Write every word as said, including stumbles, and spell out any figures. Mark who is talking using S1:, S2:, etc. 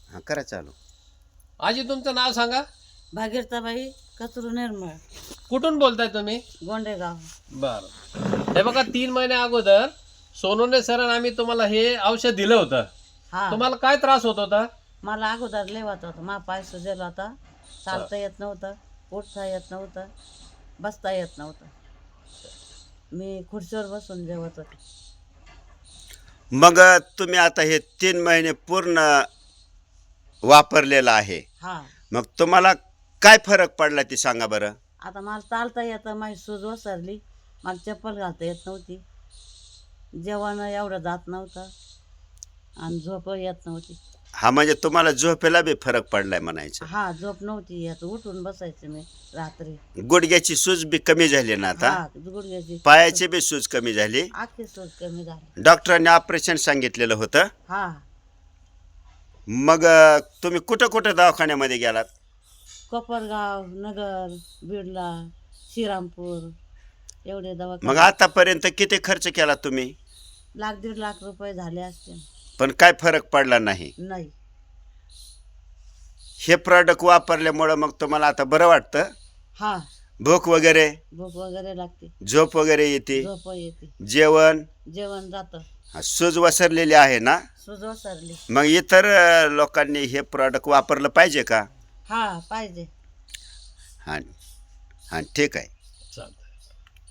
S1: हां करा चालू.
S2: आजी तुमचं नाव सांगा.
S3: भागीरथाबाई कचरू निर्मळ,
S2: कुठून बोलताय तुम्ही?
S3: गोंडेगाव.
S2: बरं. हे बघा तीन महिने अगोदर सोनवणे सरांनी आम्ही तुम्हाला हे औषध दिलं होतं.
S3: हा,
S2: तुम्हाला काय त्रास होत होता?
S3: मला अगोदर लेवत होतं, मा पाय सुजेल होता, चालता येत नव्हतं, उठता येत नव्हतं, बसता येत नव्हतं. मी खुर्चीवर बसून जेवत होते.
S1: मग तुम्ही आता हे तीन महिने पूर्ण वापरलेलं आहे.
S3: हा,
S1: मग तुम्हाला काय फरक पडला ते सांगा बरं.
S3: आता मला चालता येतं, माझी सूज ओसरली, मला चप्पल घालता येत नव्हती, जेवण एवढं जात नव्हतं आणि झोप येत नव्हती.
S1: हा म्हणजे तुम्हाला झोपेला बी फरक पडलाय म्हणायचं.
S3: हा, झोप नव्हती येत, उठून बसायचे मी रात्री.
S1: गुडघ्याची सूज बी कमी झाली ना आता.
S3: हा, गुडघ्याची
S1: पायाची बी सूज कमी झाली.
S3: आखी सूज कमी झाली.
S1: डॉक्टरांनी ऑपरेशन सांगितलेलं होतं.
S3: हा,
S1: मग अ, तुम्ही कुठं कुठं दवाखान्यामध्ये गेलात?
S3: कोपरगाव, नगर, बिडला, श्रीरामपूर एवढे
S1: मग
S3: दवाखाने.
S1: आतापर्यंत किती खर्च केला तुम्ही?
S3: लाख दीड लाख रुपये झाले असते.
S1: पण काय फरक पडला नाही.
S3: नाही.
S1: हे प्रॉडक्ट वापरल्यामुळं मग तुम्हाला आता बरं वाटतं?
S3: हा,
S1: भूक वगैरे,
S3: भूक वगैरे लागते,
S1: झोप वगैरे येते,
S3: झोप येते,
S1: जेवण,
S3: जेवण जातं,
S1: हा, सूज वसरलेली आहे ना.
S3: सूज ओसरली.
S1: मग इतर अ, लोकांनी हे प्रॉडक्ट वापरलं पाहिजे का?
S3: हा, पाहिजे.
S1: हां हां ठीक आहे.